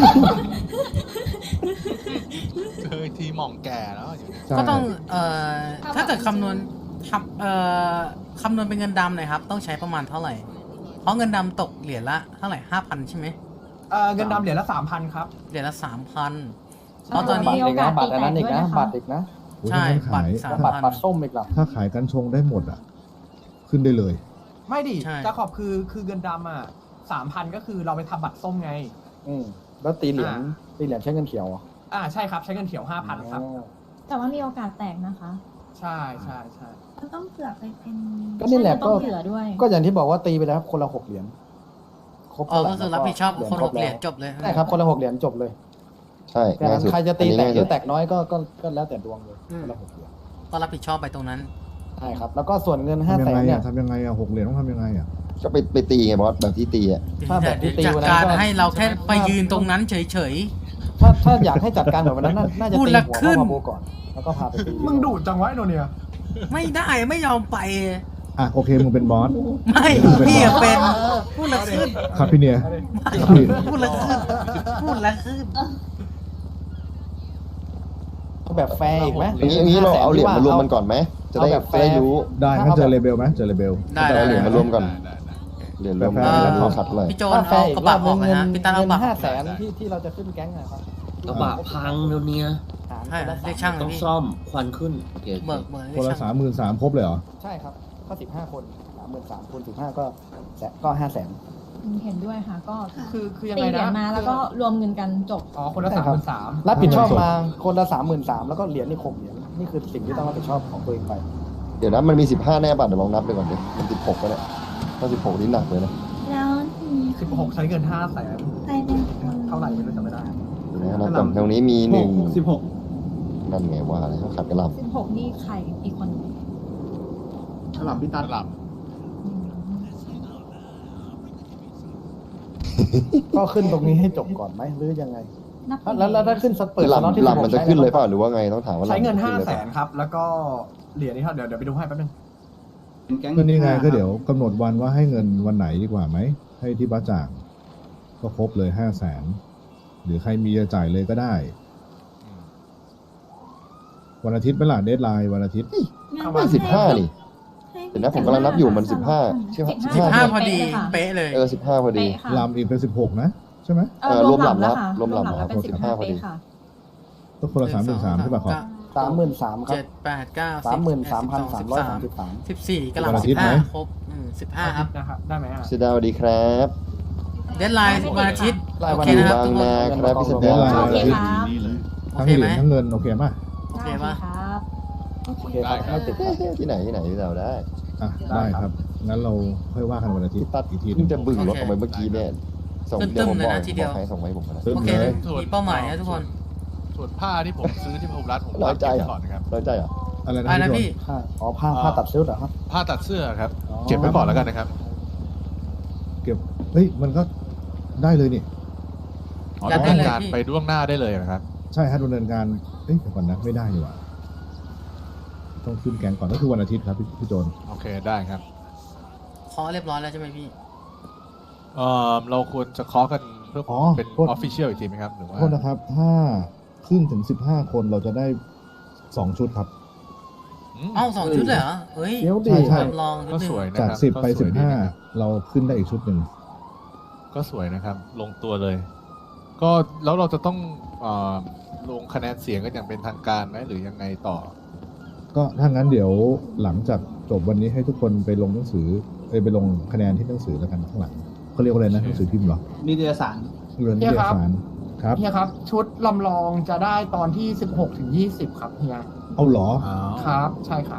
Speaker 12: เคยทีหม่องแก่แล้วอยู่เนี่ย
Speaker 5: ใช่
Speaker 2: ก็ต้องเอ่อถ้าเกิดคำนวณทำเอ่อคำนวณเป็นเงินดำหน่อยครับ ต้องใช้ประมาณเท่าไหร่ เพราะเงินดำตกเหรียญละเท่าไหร่ห้าพันใช่ไหม
Speaker 3: เอ่อเงินดำเหรียญละสามพันครับ
Speaker 2: เหรียญละสามพันเพราะตอน
Speaker 7: บัต
Speaker 2: นี้
Speaker 7: รอีกนะบัตรอันนั้นอีกนะบัตรอีกนะ
Speaker 5: โอ้ย
Speaker 2: ใช่
Speaker 5: ถ้าขาย
Speaker 2: บัตรสาม
Speaker 7: บัตรบัตรส้มอีกเหรอ
Speaker 5: ถ้าขายกันชงได้หมดอ่ะ ขึ้นได้เลย
Speaker 3: ไม่ดิ
Speaker 2: ใช่
Speaker 3: จะขอบคือคือเงินดำอ่ะสามพันก็คือเราไปทำบัตรส้มไง
Speaker 7: อืมแล้วตีเหรียญ
Speaker 3: อ่า
Speaker 7: ตีเหรียญใช้เงินเขียวเหรอ
Speaker 3: อ่าใช่ครับ ใช้เงินเขียวห้าพันครับ
Speaker 7: อ๋อ
Speaker 6: แต่ว่ามีโอกาสแตกนะคะ
Speaker 3: ใช่ใช่ใช่
Speaker 9: มันต้องเผื่อไปเป็น
Speaker 7: ก็นี่แหละ
Speaker 6: ต้
Speaker 7: ก็
Speaker 6: องเผื่อด้วย
Speaker 7: ก็อย่างที่บอกว่าตีไปแล้วครับคนละหกเหรียญครบ
Speaker 2: อ๋อ
Speaker 7: เท่าไหร่
Speaker 2: ก็คือรับผิดชอบคนหกเหรียญจบเลย
Speaker 7: ใช่ครับคนละหกเหรียญจบเลย
Speaker 4: ใช่
Speaker 7: แค่
Speaker 4: ง่าย
Speaker 7: นั้น
Speaker 4: สุด
Speaker 7: ใครจะตี
Speaker 4: อันนี้
Speaker 7: แตก
Speaker 4: ง่าย
Speaker 7: หรื
Speaker 4: สุ
Speaker 7: อ
Speaker 4: ด
Speaker 7: แตกน้อยก็ก็ก็แล้วแต่ดวงเลยคนละหกเหรียญ
Speaker 2: ก็รับผิดชอบไปตรงนั้น
Speaker 7: ใช่ครับ แล้วก็ส่วนเงินห้า
Speaker 5: ทำยั
Speaker 7: แส
Speaker 5: งไง
Speaker 7: นเนี่
Speaker 5: อ่ะ
Speaker 7: ย
Speaker 5: ทำยังไงอ่ะหกเหรียญต้องทำยังไงอ่ะ
Speaker 4: ก็ไปไปตีไงบอสแบบที่ตีอ่ะ
Speaker 7: ถ้าแบบที่ตี
Speaker 2: จัด
Speaker 7: วันนั้น
Speaker 2: การ
Speaker 7: ก็
Speaker 2: ให้เราแค่ไปยืนตรงนั้นเฉย
Speaker 7: ถ้าถ้าอยากให้จัดการแบบวันนั้นน่าน่าจะ
Speaker 2: พูด
Speaker 7: ตี
Speaker 2: ละ
Speaker 7: หัว
Speaker 2: ขึ้น
Speaker 7: พ่อมาโบก่อน แล้วก็พาไปตี
Speaker 3: มึงดูดจังวะไอ้โนเนีย
Speaker 2: ๆ ไม่ได้ไม่ยอมไป
Speaker 5: อ่ะโอเคมึงเป็นบอส
Speaker 2: ไม่พี่อะเป็นพูดละขึ้น
Speaker 5: ครับพี่เนีย
Speaker 2: พูดละขึ้นพูดละขึ้น
Speaker 7: เอาแบบแฟร์อีกไหม
Speaker 4: อย่างนี้อย่างนี้เราเอาเหรียญมารวมมันก่อนไหมจะได้
Speaker 7: เอาแบบแฟ
Speaker 4: จะ
Speaker 7: ร์
Speaker 4: ได้รู้
Speaker 5: ได้งั้นเจอเลเบลไหมเจอเลเบล
Speaker 2: ได้
Speaker 4: จะ
Speaker 2: ได้
Speaker 4: เอาเหรียญมารวมก่อน
Speaker 12: ได้ได้
Speaker 4: เหรียยญรวม
Speaker 5: แฟ
Speaker 4: กัน
Speaker 5: ร์ๆ
Speaker 4: แล้วเขาขัดเลย
Speaker 2: พี่โจน
Speaker 7: ถ้าแฟ
Speaker 2: เอา
Speaker 7: ร์อี
Speaker 2: ก
Speaker 7: ก
Speaker 2: ระ
Speaker 7: รอ
Speaker 2: บะ
Speaker 7: บ
Speaker 2: อ
Speaker 7: นึ
Speaker 2: อก
Speaker 7: ง
Speaker 2: เลย
Speaker 7: เงิน
Speaker 2: ฮะพี่ตั้นเอา
Speaker 7: เงิ
Speaker 2: กระบะ
Speaker 7: นห้าแสนที่ที่เราจะขึ้นแก๊งนะครับ
Speaker 1: กระบะพังเดี๋ยวนี้
Speaker 7: หาร
Speaker 2: ใช่
Speaker 7: คนละสาม
Speaker 2: เรียกช่างเล
Speaker 1: ต้
Speaker 2: ย
Speaker 1: อง
Speaker 2: พี่
Speaker 1: ซ่อมควันขึ้นโอเคโอเค
Speaker 2: เบิกเบิก
Speaker 5: ค
Speaker 2: เรีย
Speaker 5: น
Speaker 2: ก
Speaker 5: ละ
Speaker 2: ช่าง
Speaker 5: สามหมื่นสามครบเลยเหรอ
Speaker 7: ใช่ครับก็สิบห้าคนสามหมื่นสามคูณสิบห้าก็แสนก็ห้าแสน
Speaker 6: เห็นด้วยค่ะ ก็
Speaker 3: คือคือยัง
Speaker 6: ตี
Speaker 3: ไง
Speaker 6: เหรีย
Speaker 3: นะ
Speaker 6: ญมาแล้วก็รวมเงินกันจบ
Speaker 3: อ๋อคนละสามหมื่นสาม
Speaker 7: รับผิดชอบมาคนละสามหมื่นสามแล้วก็เหรียญนี่หกเหรียญนี่คือสิ่งที่ต้องรับผิดชอบของตัวเองไป
Speaker 4: เดี๋ยวนะมันมีสิบห้าแน่ป่ะเดี๋ยวลองนับไปก่อนดิมันสิบหกก็ได้ถ้าสิบหกนี่หนักเลยนะ
Speaker 9: แล้วทีนี้
Speaker 3: สิบหกใช้เงินห้าแสน
Speaker 9: ใครเป็นคน
Speaker 3: เท่าไหร่ไม่รู้จำไม่ได้
Speaker 4: เดี๋ยวนะนับก่อนตรงนี้มีหนึ่ง
Speaker 10: สิบหก
Speaker 4: นั่นไงว่าอะไรเขาขัดกระหล
Speaker 6: สิบหกนี่ใครอีกคน
Speaker 10: ฉลามพี่ตัน
Speaker 12: หลับ
Speaker 7: ก็ขึ้นตรงนี้ให้จบก่อนไหมหรือยังไง
Speaker 6: นับ
Speaker 7: แล้วแล้วถ้าขึ้นสเปิด
Speaker 4: ำห
Speaker 7: สล็อตที่
Speaker 4: ลำหลำมันจะขึ้นเลยเปล่า
Speaker 7: ใช้
Speaker 4: หรือว่าไงต้องถามว่า
Speaker 3: ใช้เงิน
Speaker 4: ลำมั
Speaker 3: ห้า
Speaker 4: ขึ้ลย
Speaker 3: แส
Speaker 4: ปล่
Speaker 3: นครับ แล้วก็เหรียญนี่เท่าเดี๋ยวเดี๋ยวไปดูให้แป๊บนึง
Speaker 10: เป็นแก๊ง
Speaker 5: ก็นี่ไงก็เดี๋ยวกำหนดวันว่าให้เงินวันไหนดีกว่าไหม ให้ที่บ้าจ่าง ก็ครบเลยห้าแสนหรือใครมีจะจ่ายเลยก็ได้ วันอาทิตย์เป็นหลักเดทไลน์วันอาทิตย์
Speaker 9: งั้น
Speaker 4: ไม่สิบห้านี่
Speaker 9: ให้
Speaker 4: เดี๋ยวนะผมกำลังนับอยู่มันสิบห้าใช่ไหม
Speaker 2: สิบห้าพอดีเป๊ะเลย
Speaker 4: เออสิบห้าพอดี
Speaker 6: เป๊ะค่ะ
Speaker 5: ลำอีกเป็นสิบหกนะใช่ไหม
Speaker 6: เออ
Speaker 4: เออ
Speaker 6: รวมหลับ
Speaker 4: รวมหลั
Speaker 6: แล้ว
Speaker 4: บ
Speaker 6: ค่ะ
Speaker 4: รวมหลับ
Speaker 6: แล้วเป็น
Speaker 4: อ๋อ
Speaker 6: สิบห้า
Speaker 4: พอดี
Speaker 6: เป๊ะค่ะ
Speaker 5: ก็คนละสามหมื่นสามใช่ป่ะครับ
Speaker 7: สามหมื่นสามครับ
Speaker 2: เจ็ดแปดเก้า
Speaker 7: สามหมื่นสามพันสามร้อยสามสิบสาม
Speaker 2: สิบสี่กำลัง
Speaker 5: วันอาทิ
Speaker 2: สิ
Speaker 5: ตย์
Speaker 2: บห้า
Speaker 5: ไหม
Speaker 2: ครบสิบห้าครับ
Speaker 3: นะครับได้ไหมอ่ะ
Speaker 4: เสยดาวสวัสดีครับ
Speaker 2: เดดไลน์วันอาทิตย์
Speaker 7: ราย
Speaker 2: โอ
Speaker 7: วัน
Speaker 2: เคนะครับ
Speaker 4: บาง
Speaker 2: ทุกคน
Speaker 4: นาครับพี่เสย
Speaker 5: เด
Speaker 4: ดา
Speaker 5: ท
Speaker 4: ว
Speaker 5: ไลน์
Speaker 6: โอ
Speaker 5: วัน
Speaker 6: เค
Speaker 5: อาทิต
Speaker 6: ค
Speaker 5: ย์
Speaker 6: รับ
Speaker 2: โอ
Speaker 5: ทั้ง
Speaker 2: เค
Speaker 5: เห
Speaker 2: ไหม
Speaker 5: รียญทั้งเงินโอเคป่ะ
Speaker 2: โอเค
Speaker 6: ได้
Speaker 2: ปะ
Speaker 6: ครับ
Speaker 7: โอเคครับไม่ติดครับ
Speaker 4: ที่ไหนที่ไหนพี่เสยดาวได้
Speaker 5: อ่ะได้ครับ งั้นเราค่อยว่ากันวันอาทิต
Speaker 4: พี่
Speaker 5: ย์
Speaker 4: ตัด
Speaker 5: อีกทีหนึ
Speaker 4: เพิ่
Speaker 5: ง
Speaker 4: งจะบึ่งรถออกไปเมื่อกี้เนี่ยส่งเดี๋ยวผมบอกบอกให้ส่งไว้ผมนะ
Speaker 5: ตึ้ม
Speaker 2: โอเค
Speaker 5: เลย
Speaker 2: มีเป้าหมายนะทุกคน
Speaker 12: ส่วนผ้าที่ผมซื้อที่พหุรัฐผม
Speaker 4: น้อ
Speaker 12: รั
Speaker 4: ย
Speaker 12: บ
Speaker 4: ใจ
Speaker 12: เก็บ
Speaker 4: เหร
Speaker 12: ไว้
Speaker 4: อ
Speaker 12: ก่อนนะครับ
Speaker 4: น้อยใจเหรอ
Speaker 5: อะไรนะ
Speaker 2: อะไรนะ
Speaker 5: พี่
Speaker 2: พี่
Speaker 7: ผ้าอ๋อผ้าผ้าตัดเสื้อเหรอครับ
Speaker 12: ผ้าตัดเสื้อครับ
Speaker 7: อ๋อ
Speaker 12: เก็บไว้ก่อนแล้วกันนะครับ
Speaker 5: เก็บเฮ้ยมันก็ได้เลยนี่
Speaker 12: อ๋อ
Speaker 2: รับ
Speaker 12: ดำ
Speaker 2: ได้
Speaker 12: เนิน
Speaker 2: เลย
Speaker 12: การ
Speaker 2: พี่
Speaker 12: ไปล่วงหน้าได้เลยนะครับ
Speaker 5: ใช่ฮะดำเนินการเอ้ยเดี๋ยวก่อนนะไม่ได้ดีกว่าต้องขึ้นแกงก่อนก็คือวันอาทิตย์ครับพี่พี่โจน
Speaker 12: โอเคได้ครับ
Speaker 2: ขอเรียบร้อยแล้วใช่ไหมพี่
Speaker 12: เอ่อเราควรจะเคาะกันเพื่อ
Speaker 5: อ๋อ
Speaker 12: เป็น
Speaker 5: โทษ
Speaker 12: ออฟฟิเชียลอีกทีไหมครับหรือว่า
Speaker 5: โทษนะครับ ถ้าขึ้นถึงสิบห้าคนเราจะได้สองชุดครับ
Speaker 12: อืม
Speaker 2: เอ้าสองชุดเลยเหรอเฮ้ย
Speaker 7: เดี๋ยวดิ
Speaker 5: ใช่ใช่
Speaker 2: ลองนิด
Speaker 12: ก็
Speaker 2: นึง
Speaker 12: สวยนะ
Speaker 5: จาก
Speaker 12: ครับ
Speaker 5: สิบ
Speaker 12: ก็
Speaker 5: ไป
Speaker 12: ส
Speaker 5: สิ
Speaker 12: วย
Speaker 5: บ
Speaker 12: ดี
Speaker 5: ห้า
Speaker 12: นะครับ
Speaker 5: เราขึ้นได้อีกชุดหนึ่ง
Speaker 12: ก็สวยนะครับ ลงตัวเลย ก็แล้วเราจะต้องเอ่อลงคะแนนเสียงกันอย่างเป็นทางการไหมหรือยังไงต่อ
Speaker 5: ก็ถ้างั้นเดี๋ยวหลังจากจบวันนี้ให้ทุกคนไปลงหนังสือเอ้ยไปลงคะแนนที่หนังสือแล้วกันข้างหลังเขาเรียกว่าอะไรนะหนังสือพิมพ์เหรอ
Speaker 10: นิตยสาร
Speaker 5: เรือนนิตยสารครับ
Speaker 3: เฮียครับ ชุดลำลองจะได้ตอนที่สิบหกถึงยี่สิบครับเฮีย
Speaker 5: เอาเหรอ
Speaker 3: ครับ ใช่ครับ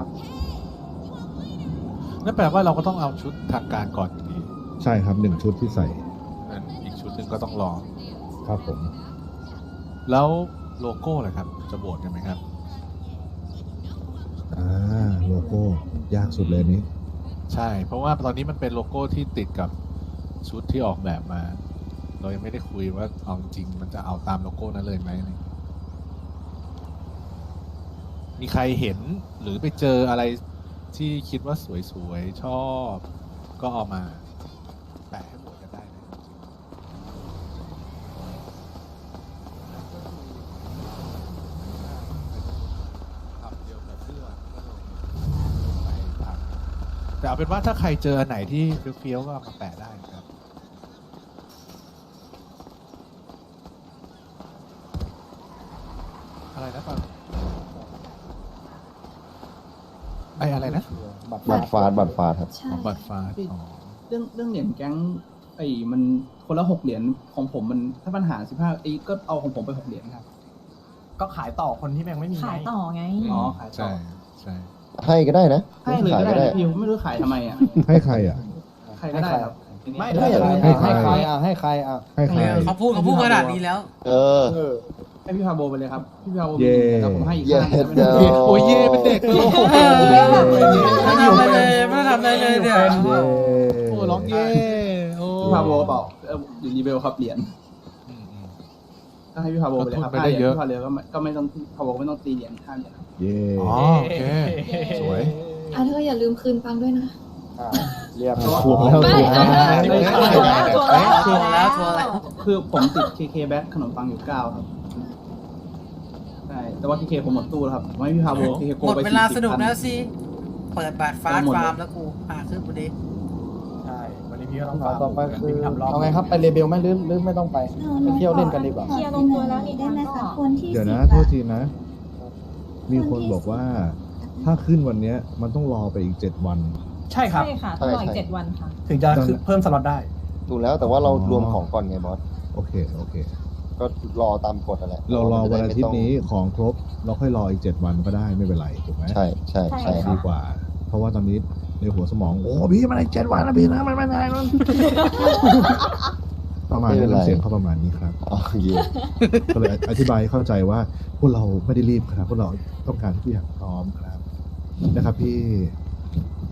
Speaker 12: นั่นแปลว่าเราก็ต้องเอาชุดทางการก่อนอยู่ดี
Speaker 5: ใช่ครับหนึ่งชุดที่ใส่
Speaker 12: นั่นอีกชุดหนึ่งก็ต้องรอ
Speaker 5: ครับผม
Speaker 12: แล้วโลโก้ล่ะครับ จะโหวตกันไหมครับ
Speaker 5: อ่าโลโก้ยากสุดเลยนี้
Speaker 12: ใช่ เพราะว่าตอนนี้มันเป็นโลโก้ที่ติดกับชุดที่ออกแบบมา เรายังไม่ได้คุยว่าเอาจริงๆมันจะเอาตามโลโก้นั้นเลยไหมอะไรอย่างเงี้ยมีใครเห็นหรือไปเจออะไรที่คิดว่าสวยๆ ชอบ ก็เอามาแปะให้โหวตกันได้นะทำเดียวกับเสื้อก็ลงไปตามแต่เอาเป็นว่าถ้าใครเจออันไหนที่เฟี้ยวๆก็เอามาแปะได้นะครับ อะไรนะตอนไออะไรนะ
Speaker 7: บัตร
Speaker 4: บัตรฟาดบัตรฟาดครับ
Speaker 11: ใช่
Speaker 12: อ๋อบัตรฟ้าอ๋อ
Speaker 10: เรื่องเรื่องเหรียญแก๊งไอ้มันคนละหกเหรียญของผมมันถ้าปัญหาสิบห้าไอ้ก็เอาของผมไปหกเหรียญครับ
Speaker 3: ก็ขายต่อคนที่ยังไม่มี
Speaker 6: ขาย
Speaker 3: ไง
Speaker 6: ต่อไง
Speaker 10: อ๋อขายต่
Speaker 12: ใช่
Speaker 10: อ
Speaker 12: ใช่
Speaker 4: ให้ก็ได้นะ
Speaker 10: ให้เลย
Speaker 4: ขาย
Speaker 10: ก็
Speaker 4: ก็
Speaker 10: ได้
Speaker 4: ได้
Speaker 10: นะพี่ผมไม่รู้ขายทำไมอ่ะ
Speaker 5: ให้ใครอ่ะ
Speaker 10: ใครก็ได้ครับ
Speaker 3: ไม่
Speaker 7: ให้
Speaker 3: ถ้า
Speaker 7: ใคร
Speaker 3: อย่าง
Speaker 7: อ่ะ
Speaker 3: นั้น
Speaker 7: ให้ใครอ่ะให้ใครอ่ะ
Speaker 5: ให้ใคร
Speaker 2: เขาพูดเขาพูดขนาดนี้แล้ว
Speaker 4: เออ
Speaker 7: เออ
Speaker 10: ให้พี่พาโบไปเลยครับพี่พาโบ
Speaker 5: เย่
Speaker 10: แล้วผมให้อีก
Speaker 4: เย่
Speaker 10: ห้าเหรียญ
Speaker 4: เดี๋ยว
Speaker 12: โอ้ยเย่เป็นเด็กเลย
Speaker 2: ไม่ทำอะไรเลยไม่ทำอะไรเลยเนี่ย
Speaker 5: เย้
Speaker 12: โอ้ร้องเย่โอ้
Speaker 10: พี่พาโบเปล่าเออหรือรีเบลครับเหรียญ
Speaker 12: อืมอืม
Speaker 10: ก็ให้พี่พาโบไปเลยครับ
Speaker 12: ก็ทุนไปได้เยอะ
Speaker 10: พี่พาเรือก็ไม่ก็ไม่ต้องพาโบไม่ต้องตีเหรียญห้าเหรียญครับ
Speaker 5: เย้
Speaker 12: อ๋อโอเค สวย
Speaker 11: อ่ะเธออย่าลืมคืนปังด้วยนะ
Speaker 7: อ่าเรียบ
Speaker 5: ทวงแล้ว
Speaker 11: ไม่
Speaker 5: ทวงแล้ว
Speaker 11: อ่ะ
Speaker 2: ทวงแล้วทวงแล้ว
Speaker 10: คือผมติด เค เค แบ็คขนมปังอยู่เก้าครับใช่แต่ว่า เค เค ผมหมดตู้แล้วครับผมให้พี่พาโบ เค เค โก
Speaker 2: หมด
Speaker 10: ไป
Speaker 2: เวลา
Speaker 10: สี่
Speaker 2: ส
Speaker 10: สิบ
Speaker 2: นุก
Speaker 10: พัน
Speaker 2: แล้วสิ เปิดบัตรฟาส
Speaker 10: หมดเลย
Speaker 2: ฟาร์มแล้วกูพาขึ้นพอดี
Speaker 3: ใช่ วันนี้พี่ก็ต้อง
Speaker 7: ต่อต่อไปคือ
Speaker 3: วิ่งทำรอบ
Speaker 7: เอาไงครับไปเลเบลไหมหรือหรือไม่ต้องไปไปเที่ยวเล่นกันดีกว่า
Speaker 6: เคลียร์ลงตัวแล้วนี่
Speaker 9: ได้ไหมคะ
Speaker 6: ก็
Speaker 9: คนที่
Speaker 5: เดี๋ยวนะ
Speaker 9: สิบ
Speaker 5: โท
Speaker 9: อะ
Speaker 5: ษทีนะ มีคนบอกว่า ถ้าขึ้นวันเนี้ย มันต้องรอไปอีกเจ็ดวัน
Speaker 3: ใช่ครับ
Speaker 6: ใช่ค่ะ
Speaker 4: ใช่
Speaker 6: ต้องรออี
Speaker 4: ใช่
Speaker 6: กเจ็ดวันค่ะ
Speaker 3: ถึงจะคือเพิ่มสล็อตได้
Speaker 4: ถูกแล้วแต่ว่าเรารวมของก่อนไงบอส
Speaker 5: โอเคโอเค
Speaker 4: ก็รอตามกฎนั่นแหละ
Speaker 5: เรารอวันอาทิต
Speaker 4: จะ
Speaker 5: ย์
Speaker 4: ได้ไม่
Speaker 5: นี้
Speaker 4: ต้
Speaker 5: ของครบเราค่อยรออีกเจ็ดวันก็ได้ไม่เป็นไรถูกไหม
Speaker 4: ใช่ใช่ใช่ครั
Speaker 5: ดี
Speaker 4: บ
Speaker 5: กว่า เพราะว่าตอนนี้ในหัวสมอง โอ้พี่มันอีกเจ็ดวันนะพี่นะมันไม่ได้นั่น ประมาณนี้น้ำเสียงเขาประมาณนี้ครับ
Speaker 4: โอเค
Speaker 5: ก็เลยอธิบายให้เข้าใจว่าพวกเราไม่ได้รีบครับพวกเราต้องการทุกอย่างพร้อมครับนะครับพี่